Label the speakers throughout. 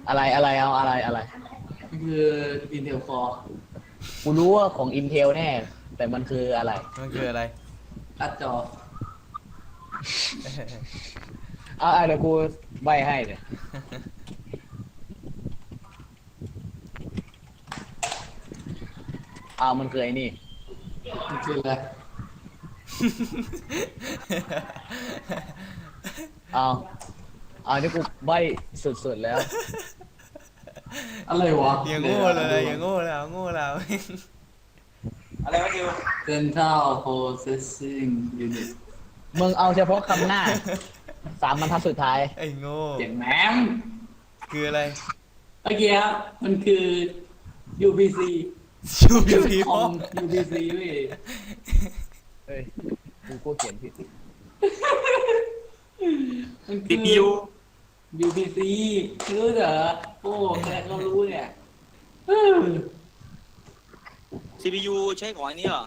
Speaker 1: อะไรเอาอะไร
Speaker 2: คือ Intel Core
Speaker 1: กูรู้ว่าของ Intel แน่แต่มันคืออะไร
Speaker 3: มันคืออะไร
Speaker 2: การ์ดจอ
Speaker 1: เอาเดี๋ยวกูใบให้เนี่ยมันคือไอ้นี่
Speaker 2: มันคืออะไร
Speaker 1: เอาที่กูใบสุดๆแล้ว
Speaker 2: อะไรวะ
Speaker 3: อย่างโง่เลยอย่างโง่แล้วโง่แล้ว
Speaker 4: อะไรวะดิว
Speaker 2: Central Processing Unit
Speaker 1: มึงเอาเฉพาะคำหน้า3 บรรทัดสุดท้าย
Speaker 3: ไอ้โง่
Speaker 2: เสียงแหนม
Speaker 3: คืออะไร
Speaker 2: เมื่อกี้ครับมันคือ UPC
Speaker 3: ชูบิวพี
Speaker 2: ค
Speaker 3: พ่อ
Speaker 2: อม UPC เว้ย
Speaker 1: เฮ้ยกูเขียนผิด
Speaker 2: มันคื
Speaker 4: ซีพียู
Speaker 2: UPC รู้เหรอโอ้แค่เรารู้เนี่ยเออ
Speaker 4: ซีพียูใช้ของอันนี้เหรอ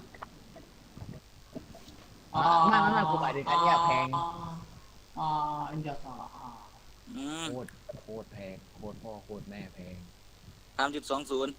Speaker 1: ไม่กูหมายถึงอันเนี้ยแพง
Speaker 2: อันเดียวกัน
Speaker 4: อืม
Speaker 1: โคตรแพงโคตรพ่อโคตรแม่แพง
Speaker 4: 3.20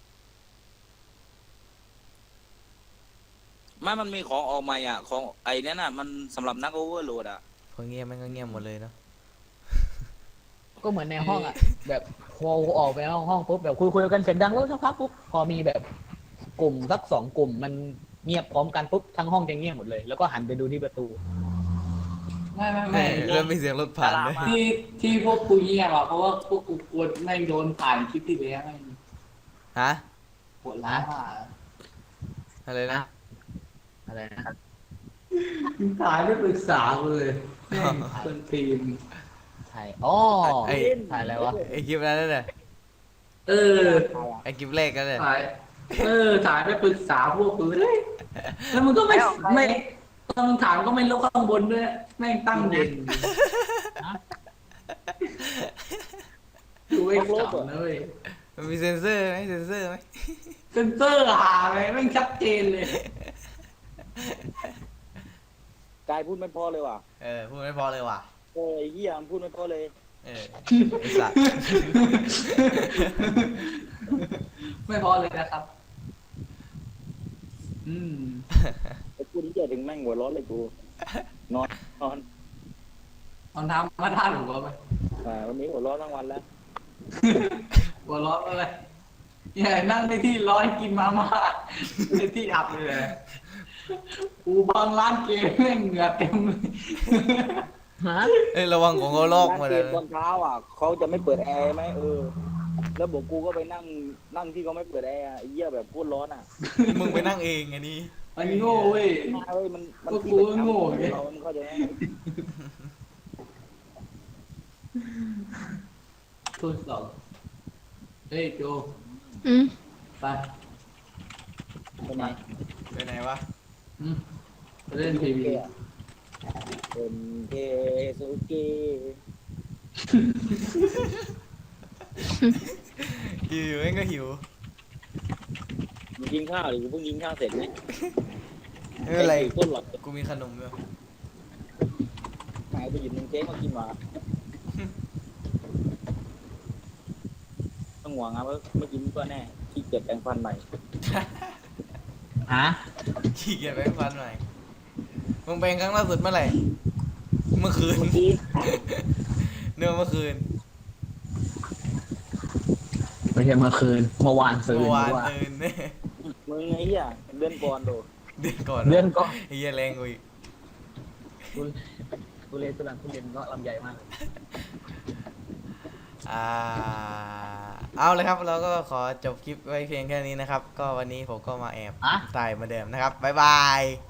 Speaker 4: มันมีของออกใหม่อ่ะ ของไอ้นั่นน่ะ มันสำหรับนักโอเวอร์โหลดอ่ะ
Speaker 3: พอเงียบมันก็เงียบหมดเลยเนาะ
Speaker 1: ก็เหมือนในห้องอ่ะ แบบพอออกไปห้องปุ๊บแบบคุยกันเสียงดังแล้วสักพักปุ๊บพอมีแบบกลุ่มสัก2 กลุ่มมันเงียบพร้อมกันปุ๊บทั้งห้องจะเงียบหมดเลยแล้วก็หันไปดูที่ประตู
Speaker 2: ไม่
Speaker 3: เริ่มมีเสียงรถผ่านเลย
Speaker 2: ที่พวกกูเงียบอ่ะเพราะว่าพวกกูกลัวแม่งโดนผ่านคลิปที่แล้วแม่ง
Speaker 3: ฮะ
Speaker 2: ปวดร้าวอ่ะ
Speaker 3: อะไรนะ
Speaker 1: อะไรนะ
Speaker 2: ถ่ายไม่ปรึกษากูเลยแม่งคนทีม
Speaker 1: ถ่าย
Speaker 3: ไอ้
Speaker 1: ถ่ายอะไรวะ
Speaker 3: ไอ้คลิปนั้นน่ะ
Speaker 2: เออ
Speaker 3: ไอ้คลิปแรกกันเลย
Speaker 2: ถ่ายถ่ายไม่ปรึกษาพวกกูเลยแล้วมันก็ไม่ตอนถามก็ไม่ลดข้างบนด้วยแม่งตั้งเย็นดูไอ้ขำนะเว้ย
Speaker 3: มันมีเซ็นเซอร์ไหมเซ็นเซอร์ไหม
Speaker 2: เซนเซอร์หาไงแม่งชัดเจนเลย
Speaker 4: กายพูดไม่พอเลยว่ะ
Speaker 3: พูดไม่พอเลยว่ะ
Speaker 4: โอ้ยเหี้ยมันพูดไม่พอเลย
Speaker 3: ไอ้สัตว์
Speaker 2: ไม่พอเลยนะครับ
Speaker 4: ไอ้พูดที่จะถึงแม่งหัวร้อนเลยกู นอน
Speaker 2: เอาน้ำมาท่าหนูก็ไป
Speaker 4: วันนี้หัวร้อนทั้งวันแล้ว
Speaker 2: หัวร้อนอะไรอย่านั่งในที่ร้อนกินมาม่าในที่อับเลยกูบางร้านเกมแม่งเหงื่อเต็มเลย
Speaker 1: ฮะ
Speaker 3: ระวังของเขาลอกมาเลย
Speaker 4: ตอนเช้าอ่ะเขาจะไม่เปิดแอร์ไหมแล้วบอกกูก็ไปนั่งที่เขาไม่เปิดแอร์ไอ้เหี้ยแบบพูดร้อนอ่ะ
Speaker 3: มึงไปนั่งเองไงนี่
Speaker 2: มันโง่เว้ย
Speaker 4: เฮ้ยมัน
Speaker 2: ก็กูก็โง่ไง
Speaker 4: เรามันเข้าใจไหม
Speaker 2: ทดสอบเฮ้ยโจ
Speaker 5: อืม
Speaker 2: ไป
Speaker 4: ทำไม
Speaker 3: ไปไหนวะ
Speaker 2: ไปเล่นทีวี
Speaker 4: เป็นเคสุเกะ
Speaker 3: หิวเองก็หิว
Speaker 4: มึงกินข้าวหรือกูเพิ่งกินข้าวเสร็จไหม
Speaker 3: ไม่เป็นไร
Speaker 4: ต้นหลับ
Speaker 3: กูมีขนมอยู่
Speaker 4: หายไปหยิบนมเค้กมากินมาต้องหวังนะว่าไม่กินก็แน่ขี้เกียจแปรงฟันใหม่
Speaker 1: ฮะ
Speaker 3: ขี้เกียจแปรงฟันหน่อยมึงแปรงครั้งล่าสุดเมื่อไหร่ เมื่อคืน
Speaker 4: เมื่อกี้
Speaker 3: เนื่อเมื่อคืน
Speaker 1: ไม่ใช่เมื่อคืนเมื่อวานซื้อ
Speaker 3: เมื่อวาน
Speaker 1: ว่า
Speaker 3: ตื่นเนี่ย
Speaker 4: มึงไอ้เหี้ยเดือนก่อนโด
Speaker 3: เดือนก่อน
Speaker 1: เดือนก็
Speaker 3: ไอ้เหี้ยแรงกูอีก
Speaker 1: ทุเรศตุลังทุเรียนก็ลำใหญ่มากเลย
Speaker 3: เอาเลยครับเราก็ขอจบคลิปไว้เพียงแค่นี้นะครับ ก็วันนี้ผมก็มาแอบ
Speaker 1: อะ
Speaker 3: ถ่ายเหมาเดิมนะครับบ๊ายบาย